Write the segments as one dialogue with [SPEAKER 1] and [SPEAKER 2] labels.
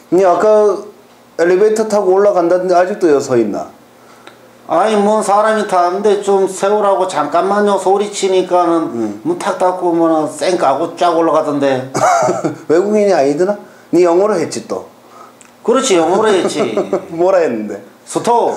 [SPEAKER 1] 니 아까 엘리베이터 타고 올라간다는데 아직도 여 서 있나?
[SPEAKER 2] 아니 뭐 사람이 타는데 좀 세우라고 잠깐만요 소리치니까는 문 탁 닫고 뭐는 쌩 까고 쫙 올라가던데.
[SPEAKER 1] 외국인이 아니더나? 니 영어로 했지 또.
[SPEAKER 2] 그렇지 영어로 했지.
[SPEAKER 1] 뭐라 했는데?
[SPEAKER 2] 스톱.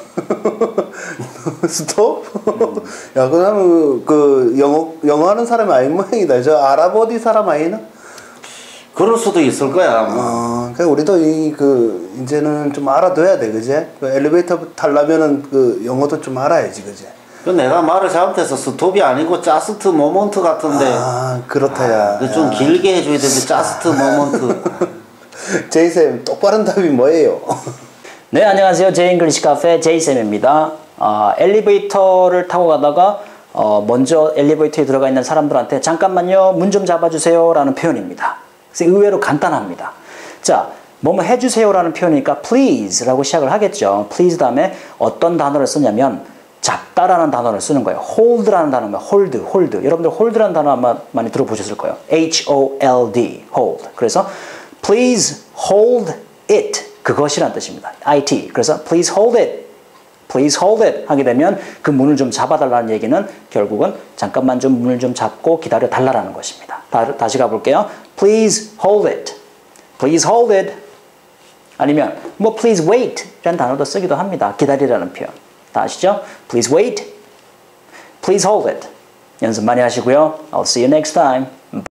[SPEAKER 1] 스톱? 야, 그 사람은 그 영어 하는 사람이 아닌 모양이다. 저 아랍 어디 사람 아니나?
[SPEAKER 2] 그럴 수도 있을 거야. 뭐.
[SPEAKER 1] 그러니까 우리도 이제는 좀 알아둬야 돼, 그제? 그 엘리베이터 타려면은 그 영어도 좀 알아야지, 그제?
[SPEAKER 2] 그 내가 말을 잘못해서 스톱이 아니고 자스트 모먼트 같은데.
[SPEAKER 1] 그렇다, 야.
[SPEAKER 2] 좀 길게 해줘야 되는데 자스트 모먼트.
[SPEAKER 1] 제이쌤, 똑바른 답이 뭐예요?
[SPEAKER 3] 네, 안녕하세요. 제잉글리시 카페 제이쌤입니다. 엘리베이터를 타고 가다가 먼저 엘리베이터에 들어가 있는 사람들한테 잠깐만요, 문 좀 잡아주세요 라는 표현입니다. 그래서 의외로 간단합니다. 자, 뭐뭐 해주세요라는 표현이니까 please라고 시작을 하겠죠. please 다음에 어떤 단어를 쓰냐면 잡다라는 단어를 쓰는 거예요. hold라는 단어면 hold. 여러분들 hold라는 단어 아마 많이 들어보셨을 거예요. H-O-L-D, hold. 그래서 please hold it, 그것이란 뜻입니다. it. 그래서 please hold it, please hold it 하게 되면 그 문을 좀 잡아달라는 얘기는 결국은 잠깐만 좀 문을 좀 잡고 기다려 달라는 것입니다. 다시 가볼게요. Please hold it, please hold it. 아니면 뭐 please wait 라는 단어도 쓰기도 합니다. 기다리라는 표현. 다 아시죠? Please wait, please hold it. 연습 많이 하시고요. I'll see you next time.